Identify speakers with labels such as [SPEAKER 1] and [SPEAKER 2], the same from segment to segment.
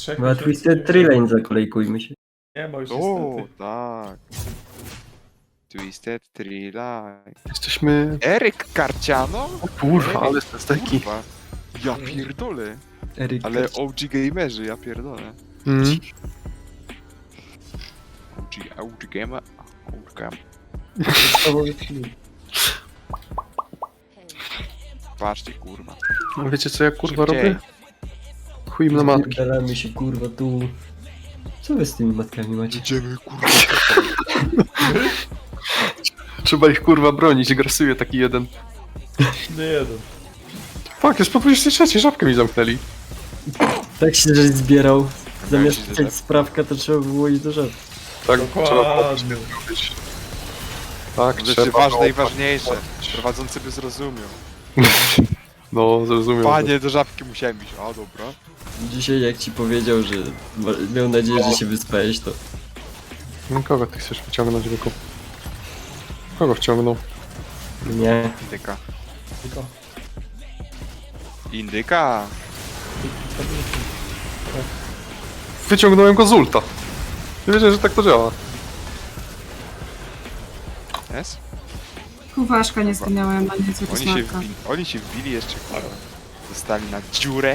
[SPEAKER 1] trzech
[SPEAKER 2] Na
[SPEAKER 1] miesięcy
[SPEAKER 2] Twisted Tree Lane zakolejkujmy się.
[SPEAKER 1] nie ma już
[SPEAKER 3] O,
[SPEAKER 1] niestety.
[SPEAKER 3] tak. Twisted Tree Line.
[SPEAKER 4] Jesteśmy...
[SPEAKER 3] Eryk Karciano?
[SPEAKER 4] O kurwa, ale te steki.
[SPEAKER 3] Kurwa. Ja pierdolę.
[SPEAKER 2] Eryk.
[SPEAKER 3] Ale OG gamerzy, ja pierdolę.
[SPEAKER 4] Mm.
[SPEAKER 3] OG gamer. OG gamer. Patrzcie, kurwa.
[SPEAKER 4] No wiecie co ja kurwa
[SPEAKER 3] Szybciej.
[SPEAKER 4] robię? Chuj im na matki.
[SPEAKER 2] Dalamy się kurwa tu. Co wy z tymi matkami macie?
[SPEAKER 3] Idziemy, kurwa.
[SPEAKER 4] Trzeba ich kurwa bronić, grasuje taki jeden.
[SPEAKER 1] Nie jeden.
[SPEAKER 4] Fuck, jest po 23, żabkę mi zamknęli.
[SPEAKER 2] Tak się żeś zbierał. Zamiast
[SPEAKER 3] się
[SPEAKER 2] pisać sprawkę, to trzeba było iść do rzeczy.
[SPEAKER 4] Tak, trzeba
[SPEAKER 1] Dokładnie.
[SPEAKER 4] zrobić. Tak,
[SPEAKER 3] Rzeczy
[SPEAKER 4] trzeba.
[SPEAKER 3] ważne i ważniejsze. Prowadzący by zrozumiał.
[SPEAKER 4] No, zrozumiem.
[SPEAKER 3] Panie, do żabki musiałem iść. A, dobra.
[SPEAKER 2] Dzisiaj jak ci powiedział, że miał nadzieję, że się wyspałeś, to...
[SPEAKER 4] No, kogo ty chcesz wyciągnąć, Wyku? Kogo wciągnął?
[SPEAKER 2] Nie.
[SPEAKER 3] Indyka.
[SPEAKER 1] Tylko.
[SPEAKER 3] Indyka.
[SPEAKER 4] Wyciągnąłem go z ulta. Nie wiedziałem, że tak to działa.
[SPEAKER 3] Jest?
[SPEAKER 5] Kuwaszka nie zginęłem, a nie co smarka.
[SPEAKER 3] Oni się wbili jeszcze, kurwa. Zostali na dziurę.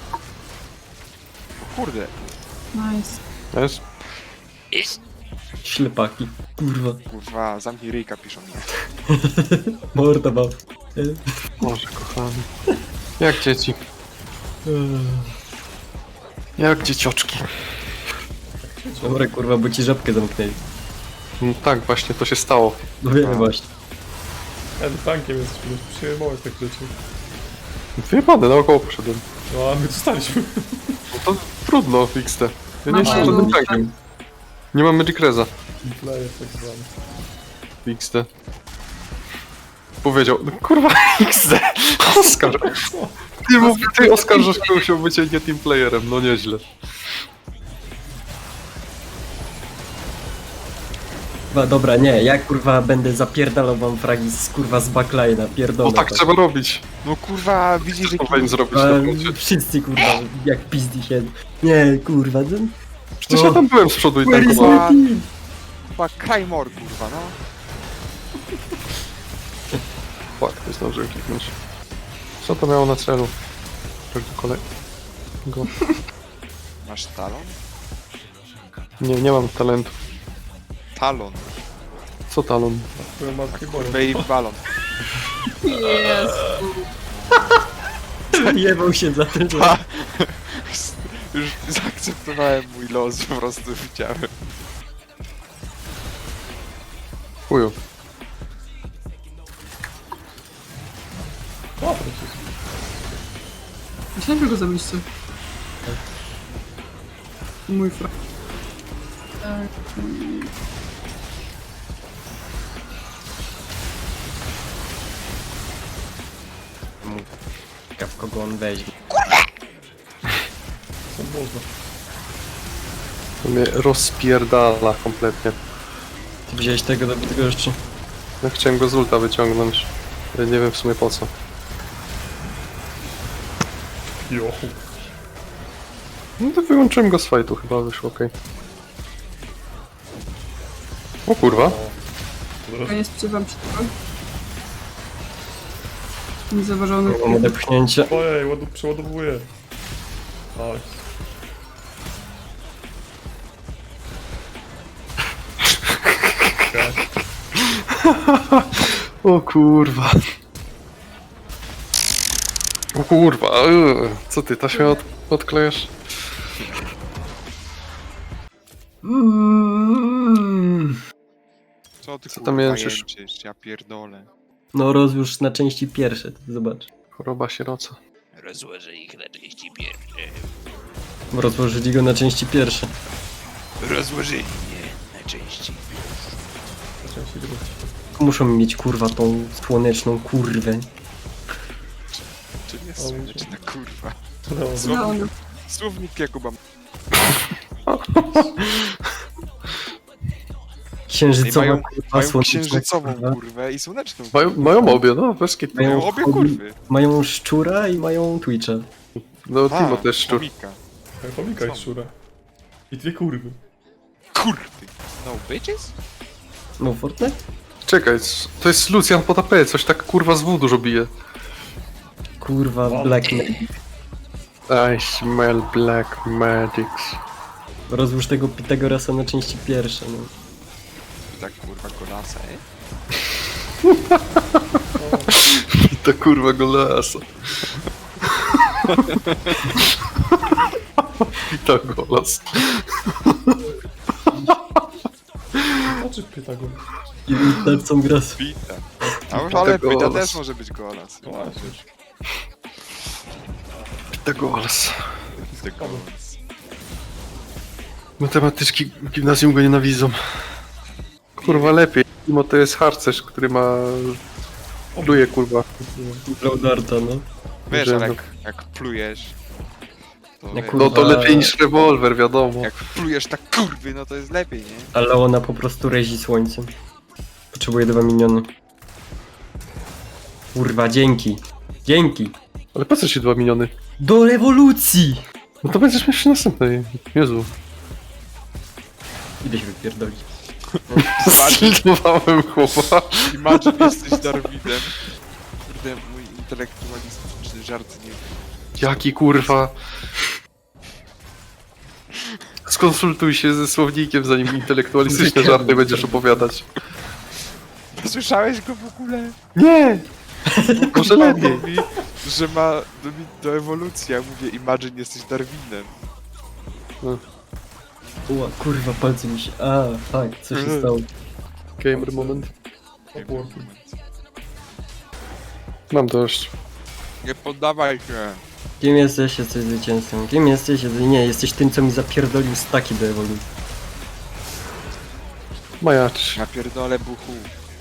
[SPEAKER 3] O kurde.
[SPEAKER 5] Nice.
[SPEAKER 4] Wiesz?
[SPEAKER 2] Ślepaki. Kurwa.
[SPEAKER 3] Kurwa, zamknij ryjka, piszą mi.
[SPEAKER 2] Morda mam.
[SPEAKER 4] Boże, kochany. Jak dzieci. Jak dziecioczki.
[SPEAKER 2] Dobra kurwa, bo ci żabkę zamknęli.
[SPEAKER 4] No tak, właśnie to się stało.
[SPEAKER 2] No wiemy właśnie.
[SPEAKER 1] Ten tankiem jesteśmy, przyjmować tak rzeczy.
[SPEAKER 4] Wyjebane, naokoło poszedłem.
[SPEAKER 1] No a my dostaliśmy.
[SPEAKER 4] No to trudno, XT. Ja nie
[SPEAKER 5] Mama,
[SPEAKER 4] jestem
[SPEAKER 5] ja
[SPEAKER 4] żadnym
[SPEAKER 5] lubię.
[SPEAKER 4] tankiem. Nie mam Magic Reza.
[SPEAKER 1] Player tak zwany.
[SPEAKER 4] XT. Powiedział, no kurwa, XD. Oskar. Ty oskarżasz kogoś o bycie nie teamplayerem, no nieźle.
[SPEAKER 2] Dobra, nie, ja kurwa będę zapierdalał wam fragi z kurwa z backline'a, pierdolę.
[SPEAKER 4] No tak
[SPEAKER 2] to.
[SPEAKER 4] trzeba robić.
[SPEAKER 3] No kurwa, widzisz, że
[SPEAKER 4] Co powinien zrobić na punkcie?
[SPEAKER 2] Wszyscy kurwa, jak pizdi się. Nie, kurwa, ten...
[SPEAKER 4] Przecież ja tam byłem z przodu i
[SPEAKER 2] Where is
[SPEAKER 4] tankowałem.
[SPEAKER 2] my team?
[SPEAKER 3] chyba Krajmor, kurwa, no.
[SPEAKER 4] Fuck, nie zdążyłem kliknąć. Co to miało na celu? Tak do kolej... Go.
[SPEAKER 3] Masz talon?
[SPEAKER 4] Nie mam talentu.
[SPEAKER 3] Talon.
[SPEAKER 4] Co talon?
[SPEAKER 1] Twoją matkę boją.
[SPEAKER 3] Kurwa i balon.
[SPEAKER 5] Jezu.
[SPEAKER 2] Jebał się za tym, że...
[SPEAKER 3] Już zaakceptowałem mój los, po prostu widziałem.
[SPEAKER 4] Chuju.
[SPEAKER 1] O, przecież.
[SPEAKER 5] Myślałem, że go zabiliście. Mój fra... Tak.
[SPEAKER 2] W kogo on weźmie.
[SPEAKER 1] Co można.
[SPEAKER 4] To mnie rozpierdala kompletnie.
[SPEAKER 2] Ty wziąłeś tego dobitego jeszcze?
[SPEAKER 4] Ja chciałem go z ulta wyciągnąć. Ale nie wiem w sumie po co.
[SPEAKER 1] Jochu.
[SPEAKER 4] No to wyłączyłem go z fightu, chyba wyszło okej. O kurwa.
[SPEAKER 5] Ja nie spodziewam się tego. Niezauważony.
[SPEAKER 2] Mam odepchnięcie.
[SPEAKER 1] Ojej, przeładowuję. Nice.
[SPEAKER 4] O kurwa. O kurwa. Co ty, taśmę odklejasz?
[SPEAKER 3] Co ty
[SPEAKER 4] Co
[SPEAKER 3] kurwa
[SPEAKER 4] tam jęczysz?
[SPEAKER 3] jęczysz? Ja pierdolę.
[SPEAKER 2] No rozłóż na części pierwsze, to zobacz.
[SPEAKER 4] Choroba sieroca.
[SPEAKER 3] Rozłożę ich na części pierwsze.
[SPEAKER 2] Rozłożyli go na części pierwsze.
[SPEAKER 3] Rozłożyli mnie na części.
[SPEAKER 1] Zacząłem się drugi.
[SPEAKER 2] Muszą mieć kurwa tą słoneczną kurwę.
[SPEAKER 3] Czym jest słoneczna kurwa?
[SPEAKER 1] No,
[SPEAKER 5] No, no.
[SPEAKER 3] Słownik Jakuba.
[SPEAKER 2] Księżycowa
[SPEAKER 3] mają,
[SPEAKER 2] kurwa,
[SPEAKER 3] mają
[SPEAKER 2] słoneczna
[SPEAKER 3] księżycową
[SPEAKER 2] kurwa.
[SPEAKER 3] kurwę i słoneczną.
[SPEAKER 4] Mają obie, no, bez kitu.
[SPEAKER 3] Mają obie kurwy.
[SPEAKER 2] Mają szczura i mają Twitcha.
[SPEAKER 4] No, Timo też szczur.
[SPEAKER 3] chomika.
[SPEAKER 1] Chomika i szczura. I dwie kurwy.
[SPEAKER 3] Kurwy. No bitches?
[SPEAKER 2] No Fortnite?
[SPEAKER 4] Czekaj, to jest Lucian pod AP, coś tak kurwa z W dużo bije.
[SPEAKER 2] Kurwa, Black
[SPEAKER 4] I smell black magics.
[SPEAKER 2] Rozłóż tego Pitagorasa na części pierwsze, no.
[SPEAKER 3] I tak kurwa golasa,
[SPEAKER 4] I to kurwa golasa. I to golas.
[SPEAKER 1] Znaczy Pythagor.
[SPEAKER 2] I tarcą gras.
[SPEAKER 3] Pita. A już ale
[SPEAKER 4] golas.
[SPEAKER 3] Pita też może być golas.
[SPEAKER 1] No właśnie.
[SPEAKER 4] To golas.
[SPEAKER 3] Pita golas.
[SPEAKER 4] Matematyczki w gimnazjum go nienawidzą. Kurwa lepiej. Mimo to jest harcerz, który ma... Pluje kurwa.
[SPEAKER 2] Laudarta, no.
[SPEAKER 3] Wiesz,
[SPEAKER 4] Że
[SPEAKER 3] ale
[SPEAKER 4] no.
[SPEAKER 3] jak plujesz... To
[SPEAKER 2] Jak
[SPEAKER 3] wiesz,
[SPEAKER 2] kurwa.
[SPEAKER 4] No to lepiej niż rewolwer, wiadomo.
[SPEAKER 3] jak plujesz tak kurwy, no to jest lepiej, nie?
[SPEAKER 2] Ale ona po prostu rezi słońcem. Potrzebuje 2 miniony. Kurwa, dzięki. Dzięki.
[SPEAKER 4] Ale po co ci 2 miniony?
[SPEAKER 2] Do rewolucji!
[SPEAKER 4] No to będziesz miał przy następnej. Jezu.
[SPEAKER 2] Idę się wypierdolić.
[SPEAKER 4] Zlitowałem chłopa.
[SPEAKER 3] Imagine jesteś Darwidem. Kurde, mój intelektualistyczny żart nie...
[SPEAKER 4] Jaki kurwa. Skonsultuj się ze słownikiem, zanim intelektualistyczne żarty będziesz opowiadać.
[SPEAKER 3] Słyszałeś go w ogóle?
[SPEAKER 4] Nie! Może lepiej.
[SPEAKER 3] Mówi, że ma do ewolucji, ja mówię Imagine jesteś Darwinem.
[SPEAKER 2] Ła, kurwa, palce mi się... A, fuck, co się stało?
[SPEAKER 4] Gamer moment.
[SPEAKER 1] Opórki.
[SPEAKER 4] Mam dość.
[SPEAKER 3] Nie poddawaj się.
[SPEAKER 2] Kim jesteś? Jesteś zwycięzcą. Kim jesteś? Nie, jesteś tym, co mi zapierdolił staki do ewolucji.
[SPEAKER 4] Majacz.
[SPEAKER 3] Ja pierdolę buchu.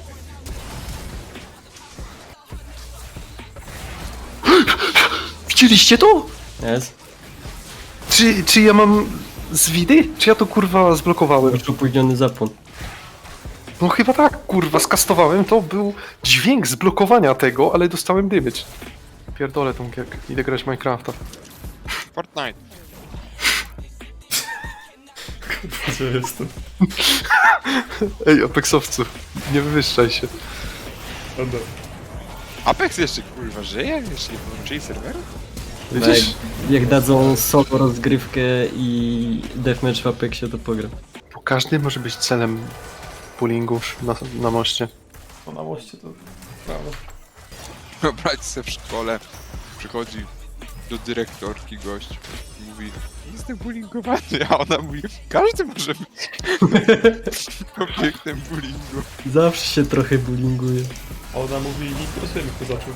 [SPEAKER 4] Widzieliście to?
[SPEAKER 2] Jest?
[SPEAKER 4] Czy ja mam zwidy? Czy ja to kurwa zblokowałem?
[SPEAKER 2] Już opóźniony zapłon.
[SPEAKER 4] No chyba tak, kurwa, skastowałem. To był dźwięk zblokowania tego, ale dostałem damage. Pierdolę tą gierkę. Idę grać w Minecrafta.
[SPEAKER 3] Fortnite.
[SPEAKER 1] Gdzie jestem?
[SPEAKER 4] Ej, Apexowcu, nie wywyższaj się.
[SPEAKER 1] Będę.
[SPEAKER 3] Apex jeszcze kurwa żyje? Jeszcze nie połączyli serweru?
[SPEAKER 4] Widzisz?
[SPEAKER 2] Jak dadzą solo rozgrywkę i deathmatch w Apexie, to pogram.
[SPEAKER 4] Bo każdy może być celem pullingu na moście.
[SPEAKER 1] To na moście to... Prawda.
[SPEAKER 3] Wyobraź sobie w szkole, przychodzi do dyrektorki gość i mówi jestem bullyingowany, a ona mówi każdy może być obiektem bullyingu.
[SPEAKER 2] Zawsze się trochę bullyinguje.
[SPEAKER 1] A ona mówi, nie interesuje mnie kto zaczął.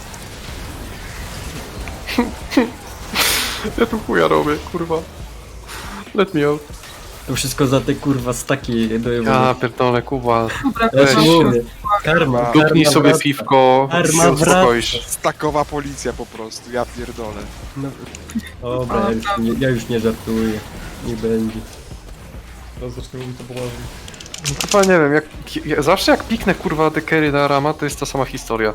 [SPEAKER 4] Ja tu chuja robię, kurwa. Let me out.
[SPEAKER 2] To wszystko za te kurwa staki do
[SPEAKER 4] Ja
[SPEAKER 2] ewolucji.
[SPEAKER 4] pierdolę, Kuba.
[SPEAKER 5] Dobra,
[SPEAKER 2] Ja ci
[SPEAKER 4] weź.
[SPEAKER 2] mówię. Karma.
[SPEAKER 4] Dupnij
[SPEAKER 2] karma
[SPEAKER 4] sobie
[SPEAKER 2] wraca.
[SPEAKER 4] piwko
[SPEAKER 2] Karma
[SPEAKER 4] i uspokoisz.
[SPEAKER 3] Stakowa policja po prostu, ja pierdolę.
[SPEAKER 2] No. Dobra, ja już nie żartuję. Nie będzie.
[SPEAKER 1] Teraz zacznę mówić to poważnie.
[SPEAKER 4] No chyba nie wiem, zawsze jak piknę kurwa dekery na Rama, to jest ta sama historia.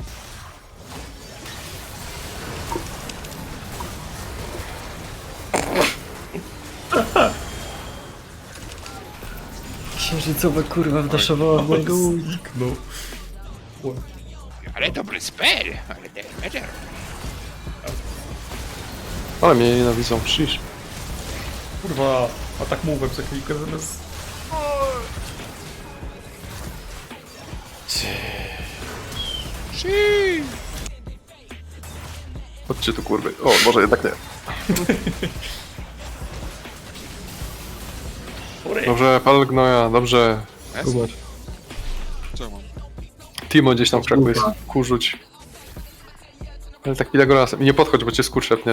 [SPEAKER 2] Księżycowa kurwa wdaszowała w mojego łóżka.
[SPEAKER 1] No.
[SPEAKER 3] Ale dobry spell, ale damage.
[SPEAKER 4] Ale mnie nienawidzą, przyjść.
[SPEAKER 1] Kurwa, a tak mówię, za chwilkę zamiast...
[SPEAKER 4] Chodźcie tu kurwy. O, może jednak nie. Dobrze, pal gnoja, dobrze.
[SPEAKER 2] Kuba.
[SPEAKER 3] Co mam?
[SPEAKER 4] Timo gdzieś tam w krzaku jest. Kurzuć. Ale tak Pitagorasem. I nie podchodź, bo cię skurczepnie.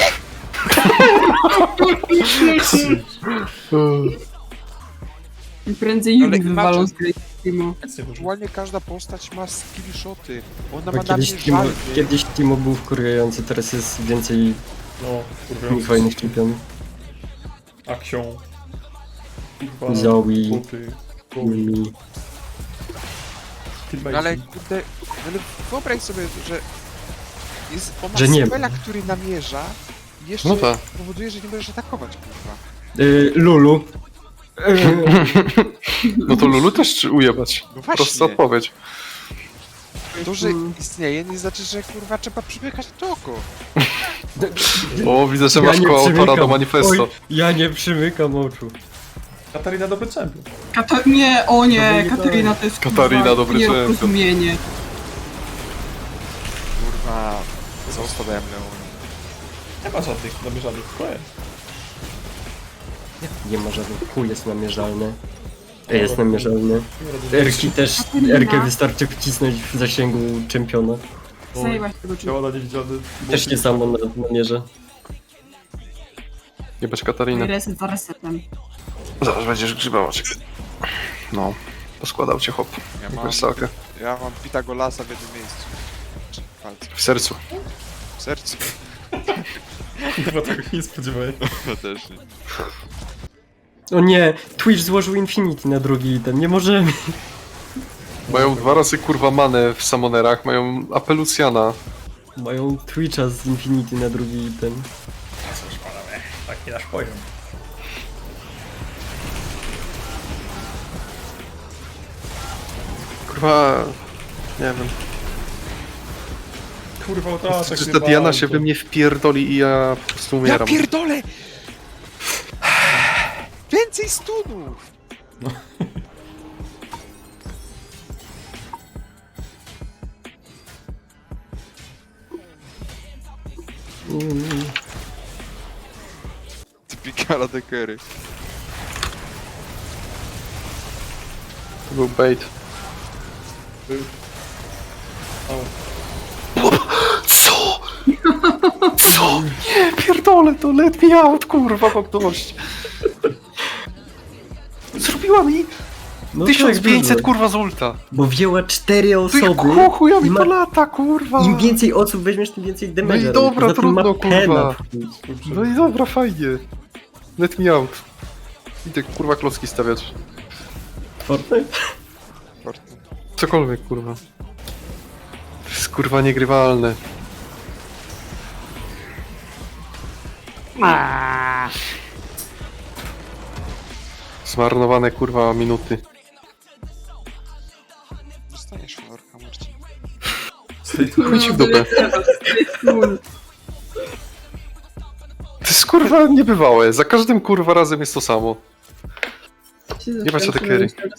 [SPEAKER 5] I prędzej
[SPEAKER 3] Ale
[SPEAKER 5] Yumi wywalą
[SPEAKER 3] Imagine-
[SPEAKER 5] z gry Timo.
[SPEAKER 1] Nic nie może.
[SPEAKER 3] Aktualnie każda postać ma skillshoty. Ona
[SPEAKER 2] Bo
[SPEAKER 3] ma na mnie żalby.
[SPEAKER 2] kiedyś Timo był wkurwiający, teraz jest więcej
[SPEAKER 1] No, kurwa.
[SPEAKER 2] fajnych czempionów.
[SPEAKER 1] Aksią. Kurwa.
[SPEAKER 2] Zoe.
[SPEAKER 1] Buty.
[SPEAKER 2] Mi.
[SPEAKER 1] Teammates.
[SPEAKER 3] Ale kurde, ale wyobraź sobie, że jest, ona
[SPEAKER 2] Że nie ma.
[SPEAKER 3] spela, który namierza I jeszcze
[SPEAKER 4] No tak.
[SPEAKER 3] powoduje, że nie możesz atakować, kurwa.
[SPEAKER 2] Lulu.
[SPEAKER 4] No to Lulu też czy ujebać.
[SPEAKER 3] No właśnie.
[SPEAKER 4] Prosta odpowiedź.
[SPEAKER 3] To, że istnieje, nie znaczy, że kurwa trzeba przymykać to oko.
[SPEAKER 4] O, widzę, że
[SPEAKER 2] Ja
[SPEAKER 4] masz
[SPEAKER 2] nie
[SPEAKER 4] koło autora
[SPEAKER 2] przymykam.
[SPEAKER 4] do manifesto.
[SPEAKER 2] Oj, ja nie przymykam oczu.
[SPEAKER 1] Katarina dobry champion.
[SPEAKER 5] Nie, o nie,
[SPEAKER 2] Dobry
[SPEAKER 5] Katarina to jest
[SPEAKER 4] Katarina,
[SPEAKER 5] kurwa
[SPEAKER 4] dobry champion.
[SPEAKER 5] nieporozumienie.
[SPEAKER 3] Kurwa, zostawiałem Leon.
[SPEAKER 1] Nie ma żadnych namierzanych, koniec.
[SPEAKER 2] Nie ma żadnych. Chuj jest namierzalny. Jest namierzalny. Erki też. Erkę wystarczy wcisnąć w zasięgu czempiona.
[SPEAKER 5] Zajęłaś tego człowieka.
[SPEAKER 1] Działa na niewidzialny.
[SPEAKER 2] Też nie samo namierza.
[SPEAKER 4] Jebać Katarinę.
[SPEAKER 5] Reset za resetem.
[SPEAKER 4] Zaraz będziesz grzybać. No. Poskładał cię hop.
[SPEAKER 3] Ja mam,
[SPEAKER 4] Wersalkę.
[SPEAKER 3] ja mam Pitagolasa w jednym miejscu. Czy w palcu.
[SPEAKER 4] W sercu.
[SPEAKER 3] W sercu.
[SPEAKER 1] Chyba tego nie spodziewałem.
[SPEAKER 3] Ja też nie.
[SPEAKER 2] O nie! Twitch złożył Infinity na drugi item. Nie możemy.
[SPEAKER 4] Mają 2 razy kurwa manę w Summonerach, mają Apelucjana.
[SPEAKER 2] Mają Twitcha z Infinity na drugi item.
[SPEAKER 1] Cóż, panowie, taki nasz poziom.
[SPEAKER 4] Kurwa... Nie wiem.
[SPEAKER 1] Kurwa, utraszek
[SPEAKER 4] Czy ta Diana się we mnie wpierdoli i ja po prostu
[SPEAKER 3] Ja
[SPEAKER 4] umieram.
[SPEAKER 3] pierdolę! Więcej stunów! Typikala dekery.
[SPEAKER 4] To był bait. Co? Co? Nie, pierdolę to, let me out, kurwa, mam dość. Zrobiła mi
[SPEAKER 2] No
[SPEAKER 4] 1500
[SPEAKER 2] tak,
[SPEAKER 4] kurwa z ulta.
[SPEAKER 2] bo wzięła 4
[SPEAKER 4] Ty
[SPEAKER 2] osoby.
[SPEAKER 4] chuja
[SPEAKER 2] i
[SPEAKER 4] mi
[SPEAKER 2] ma-
[SPEAKER 4] to lata, kurwa.
[SPEAKER 2] Im więcej osób weźmiesz, tym więcej damage'a.
[SPEAKER 4] No i dobra,
[SPEAKER 2] Poza tym ma
[SPEAKER 4] trudno,
[SPEAKER 2] pena
[SPEAKER 4] kurwa.
[SPEAKER 2] w chuj.
[SPEAKER 4] No i dobra, fajnie. Let me out. Idę kurwa klocki stawiać.
[SPEAKER 2] Fortnite?
[SPEAKER 4] Cokolwiek, kurwa. To jest kurwa niegrywalne. Zmarnowane kurwa minuty.
[SPEAKER 3] Dostaniesz florka, Marcin.
[SPEAKER 4] Chuj ci w dupę.
[SPEAKER 5] Cool.
[SPEAKER 4] To jest kurwa niebywałe. Za każdym kurwa razem jest to samo.
[SPEAKER 5] Się
[SPEAKER 4] Nie ma co
[SPEAKER 5] zaczęłam
[SPEAKER 4] takery.
[SPEAKER 5] się